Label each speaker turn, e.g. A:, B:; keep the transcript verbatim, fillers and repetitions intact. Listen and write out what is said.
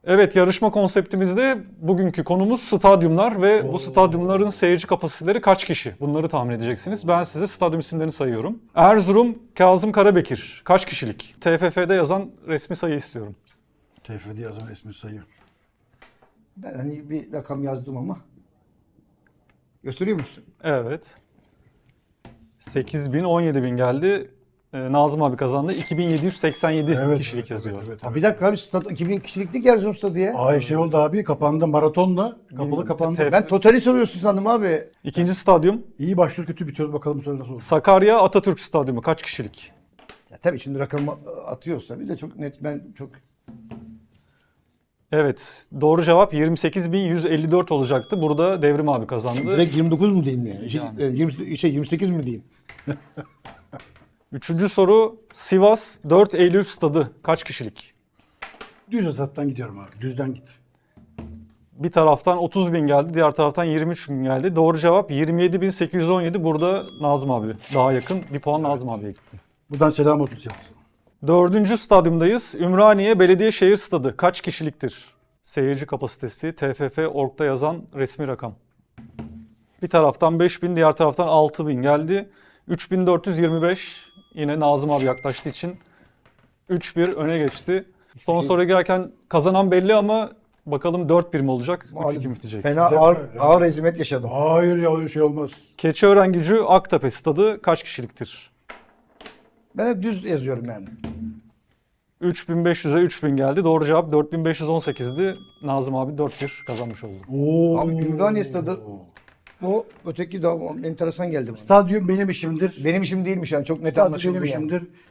A: Evet, yarışma konseptimizde bugünkü konumuz stadyumlar ve
B: Oo.
A: bu stadyumların seyirci kapasiteleri kaç kişi? Bunları tahmin edeceksiniz. Ben size stadyum isimlerini sayıyorum. Erzurum Kazım Karabekir kaç kişilik? T F F'de yazan resmi sayı istiyorum.
B: T F F'de yazan resmi sayı.
C: Ben hani bir rakam yazdım ama. Gösteriyor musun?
A: Evet. sekiz bin, on yedi bin geldi. Ee, Nazım abi kazandı. iki bin yedi yüz seksen yedi
B: Evet,
A: kişilik
B: evet,
A: yazıyor.
B: Evet, evet,
C: Ha,
B: evet.
C: bir dakika abi stad iki bin kişiliklik Erzurum stadı ya.
B: Ay şey oldu abi, kapandı maratonla. Kapalı kapandı.
A: T-
C: Ben totali soruyorsun sandım abi.
A: İkinci stadyum
B: İyi başlıyoruz, kötü bitiyoruz, bakalım bu sene nasıl olacak.
A: Sakarya Atatürk Stadyumu kaç kişilik?
C: Ya tabii şimdi rakamı atıyoruz tabii de çok net ben çok
A: Evet, doğru cevap yirmi sekiz bin yüz elli dört olacaktı. Burada Devrim abi kazandı.
C: direkt yirmi dokuz mu diyeyim yani? Şey, e, yirmi, şey yirmi sekiz mi diyeyim?
A: Üçüncü soru Sivas dört Eylül Stadı kaç kişilik?
B: Düz hesaptan gidiyorum abi, düzden git.
A: Bir taraftan otuz bin geldi, diğer taraftan yirmi üç bin geldi. Doğru cevap yirmi yedi bin sekiz yüz on yedi. Burada Nazım abi daha yakın. Bir puan Nazım abiye gitti.
B: Buradan selam olsun Sivas'a.
A: Dördüncü stadyumdayız. Ümraniye Belediyešehir Stadı kaç kişiliktir? Seyirci kapasitesi T F F nokta org'da yazan resmi rakam. Bir taraftan beş bin, diğer taraftan altı bin geldi. üç bin dört yüz yirmi beş. Yine Nazım abi yaklaştığı için üç bir öne geçti. Son
C: Şey-
A: soruya girerken kazanan belli ama bakalım dört bir mi olacak? üç iki mi bitecek?
C: Fena ağır, ağır ezimet yaşadım.
B: Hayır ya, öyle şey olmaz.
A: Keçiören-Gücü Aktepe Stadı kaç kişiliktir?
C: Ben hep düz yazıyorum yani.
A: üç bin beş yüze üç bin geldi. Doğru cevap dört bin beş yüz on sekizdi. Nazım abi dört bir kazanmış oldu.
B: Oo.
C: Abi Ümraniye stadı o öteki daha enteresan geldi bana.
B: Stadyum benim işimdir.
C: Benim işim değilmiş yani çok net
B: Stadyum
C: anlaşıldı
B: benim
C: yani.
B: işimdir.